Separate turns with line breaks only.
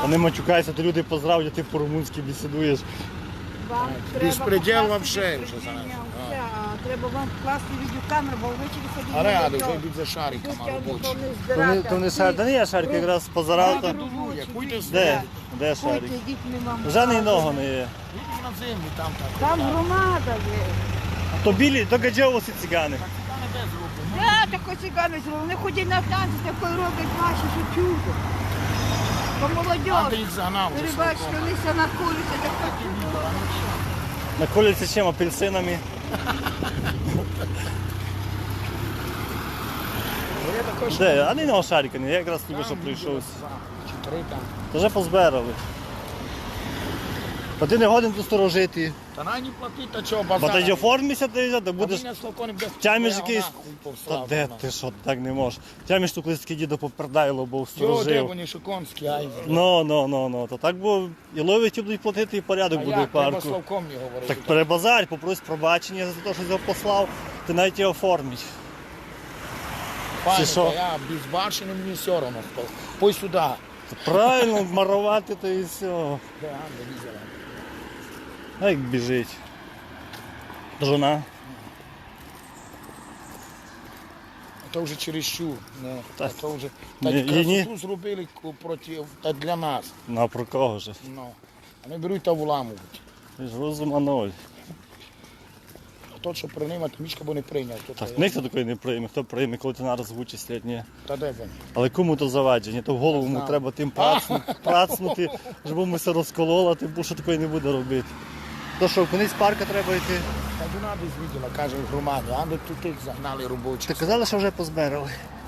Вони матюкаються, то люди поздравлять, ти по-румунськи бесідуєш.
Безпреділ вообще вже зараз.
Треба вам вкласти відеокамеру, бо ввечері ходити.
А реально, вже йдуть за шариками робочі.
То не шарик, та не я шарик, якраз позарав то. Де шарик? Вже ні нього не є.
Йдіть на землю, там так.
Там громада є.
То білі, то гаджовоси цигани.
Да, тако цигани зробили. Вони ходять на танці, такої роблять наші, що чудо. То
Там
молодь.
їх загнав.
Ви бачите, вони все наколються, таке чудо.
Наколяться чим? Апельсинами. Де? А не нього шарика, я якраз тільки що прийшов.
Чи 3 там.
То вже позбирали. Та ти не годин тут сторожити.
Та на не платить, та чого,
Бо
базар.
ти оформишся, ти будеш... Тямиш якийсь... Та де ти що, так не можеш. Тямиш тут колись такий дідо попердайло, бо
Йо, де
сторожив.
вони шоконські, ай.
Ну. То так бо і ловить і будуть платити, і порядок
А
буде в
як, треба
парку.
Славком не говорити.
Так перебазарь, попрось пробачення за те, що його послав, ти навіть його оформить.
Пане,
Чи що?
та я безбашений, мені все одно хто. Пой сюди.
Правильно, марувати то і все.
Де Анда візела?
А як біжить. Жона.
Це вже чересчур. Не,
Так.
це вже...
Ні,
Так
ні.
красоту зробили проти, та для нас.
Ну а про кого ж?
Ну. Вони беруть та вламують.
Ти ж розума ноль.
Хто що приймати, мішка бо не прийняв.
Так, ніхто такої не прийме, хто прийме, коли ти нараз вичислять, ні.
Та де він?
Але кому то завадження, то в голову йому треба тим працнути, щоб йому все розкололо, тим більше такої не буде робити. То що, кудись з парка треба йти.
Та вона десь виділа, каже в громаді, а тут тих загнали робочі.
Ти казали, що вже позбирали.